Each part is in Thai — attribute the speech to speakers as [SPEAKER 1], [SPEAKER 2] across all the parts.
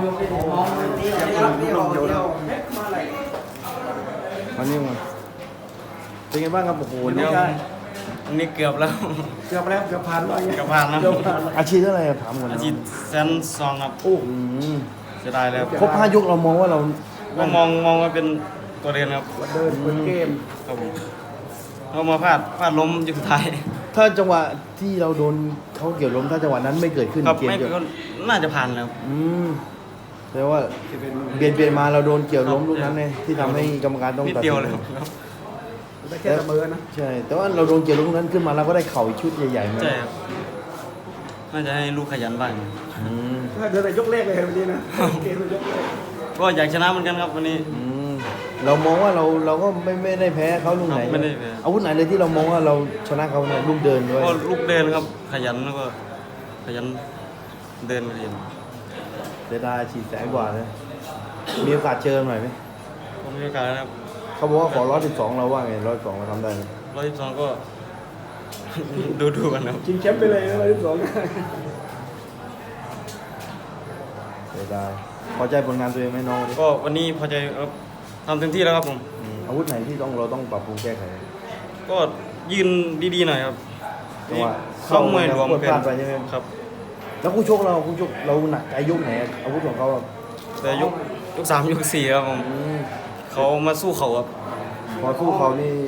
[SPEAKER 1] วันนี้มาเป็นไงบ้างครับโอ้โห
[SPEAKER 2] วันนี้เกือบแล้ว
[SPEAKER 1] เกือบผ่านแล้ว
[SPEAKER 2] เกือบผ่านแล้ว
[SPEAKER 1] อาชีพเท่าไหร่ถามก่อน
[SPEAKER 2] อาชีพแซนซองครับ
[SPEAKER 1] โอ้
[SPEAKER 2] เสียดายแล้ว
[SPEAKER 1] ครบ5 ยกเรามองว่าเรา
[SPEAKER 2] ก็มองว่าเป็นตัวเดินครับ
[SPEAKER 1] เดินเป็นเกม
[SPEAKER 2] ครับผมเรามาพลาดล้มอยู่สุดท้าย
[SPEAKER 1] ถ้าจังหวะที่เราโดนเขาเกี่ยวล้มถ้าจังหวะนั้นไม่เกิดขึ้น
[SPEAKER 2] ครับ
[SPEAKER 1] เกม
[SPEAKER 2] ไม่
[SPEAKER 1] จะ
[SPEAKER 2] ก็น่าจะผ่านแล้ว
[SPEAKER 1] แปลว่าเปลี่ยนมาเราโดนเกี่ยวล้มลูกนั้นไงที่ทำให้กรรมการต้อง
[SPEAKER 2] นิด
[SPEAKER 1] ตัด
[SPEAKER 2] เดียว
[SPEAKER 1] สิน
[SPEAKER 2] เลยครับ
[SPEAKER 3] ได้แค่เสมอนะ
[SPEAKER 1] ใช่แต่ว่าเราโดนเกี่ยวล้มลูกนั้นขึ้นมาเราก็ได้เข่าอีกชุดใหญ่ๆมา
[SPEAKER 2] ใช่ครับน่าจะให้ลูกขยันบ้าง
[SPEAKER 1] อืม
[SPEAKER 3] ถ้าเดินแต่ยกแรกเลยวันนี้นะเกมยกแรก
[SPEAKER 2] ก็อยากชนะเหมือนกันครับวันนี้
[SPEAKER 1] เรามองว่าเราก็ไม่ได้แพ้เขาลูกไหน
[SPEAKER 2] ครับไม่ได้แพ้
[SPEAKER 1] อาวุธไหนเลยที่เรามองว่าเราชนะเขาเนี่ยลูกเดินด้วย
[SPEAKER 2] ก็ลูกเดินครับขยันแล้วก็ขยันเดินเรียน
[SPEAKER 1] เสียดายฉีดแสงกว่าเลยมีโอกาสเจอหน่อยไหม
[SPEAKER 2] ก็มีโอกาสนะครับ
[SPEAKER 1] เขาบอกว่าขอ112เราว่าไง112เราทำได้ไหม
[SPEAKER 2] 112ก็ ดูกันครับ
[SPEAKER 3] ชิงแชมป์ไปเลยนะ112
[SPEAKER 1] เสียดายพอใจผลงานตัวเองไหมน้องวันนี้
[SPEAKER 2] ก็วันนี้พอใจครับทำเต็มที่แล้วครับผม
[SPEAKER 1] อาวุธไหนที่เราต้องปรับปรุงแก้ไข
[SPEAKER 2] ก็ยืนดีๆหน่อยครับ
[SPEAKER 1] จังหวะ
[SPEAKER 2] เข้ามวยรวม
[SPEAKER 1] กด
[SPEAKER 2] เป็น
[SPEAKER 1] พลาดไปใช่ไหม
[SPEAKER 2] ครับ
[SPEAKER 1] แล้วคู่ชกเราหนักใจยกไหนอาวุธของเขาอะ
[SPEAKER 2] แต่ยก3ยก4ครับผม
[SPEAKER 1] อืม
[SPEAKER 2] เขามาสู้เขาครับ
[SPEAKER 1] พอสู้เขา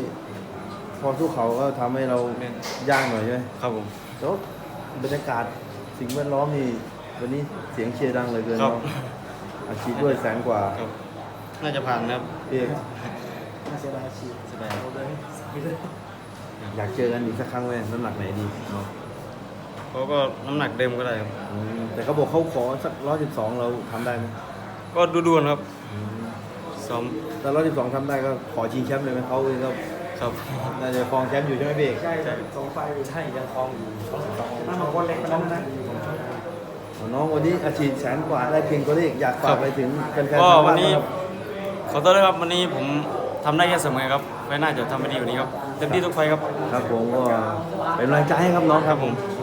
[SPEAKER 1] ก็ทำให้เรายากหน่อยใช่ไหม
[SPEAKER 2] ครับผม
[SPEAKER 1] แล้วบรรยากาศสิ่งแวดล้อมนี่วันนี้เสียงเชียร์ดังเหลยเกิน
[SPEAKER 2] ครับ
[SPEAKER 1] เนาะอาชีพด้วยแสนกว่า
[SPEAKER 2] ครับน่าจะผ่านนะครับ
[SPEAKER 1] พี่เอก
[SPEAKER 3] เสียดายชีพ
[SPEAKER 2] แสดง
[SPEAKER 1] อยากเจอกันอีกสักครั้งไหมน้ำหนักไหนดีเนาะ
[SPEAKER 2] เขาก็น้ำหนักเดิมก็ได้ครับ
[SPEAKER 1] แต่เขาบอกเขาขอสัก112เราทำได้ไหม
[SPEAKER 2] ก็ดูๆนะครับซ้อม
[SPEAKER 1] ถ้า112ทำได้ก็ขอชิงแชมป์เลยไหมเขาเองก็
[SPEAKER 2] ครับ
[SPEAKER 1] น่าจะครองแชมป์อยู่ใช่ไหมพี่เอก
[SPEAKER 3] ใช่2 ไฟล์
[SPEAKER 2] ใช่ยังคลองอยู่
[SPEAKER 3] หน้าหมอกวันเล็กไปแล้วนะ
[SPEAKER 1] น้องวันนี้อาชีพแสนกว่าได้เพียงตัวเลขอยากฝากไปถึงแฟนๆ
[SPEAKER 2] ก็
[SPEAKER 1] ทาง
[SPEAKER 2] วั
[SPEAKER 1] บ้าน น
[SPEAKER 2] นี้
[SPEAKER 1] ครับ
[SPEAKER 2] ขอโทษด้วยครับวันนี้ผมทำได้แค่เสมอครับไว้หน้าจะทำให้ดีกว่านี้ครับเต็มที่ทุกไฟครับ
[SPEAKER 1] ครับผมก็เป็นกำลังใจให้ครับน้องครับผม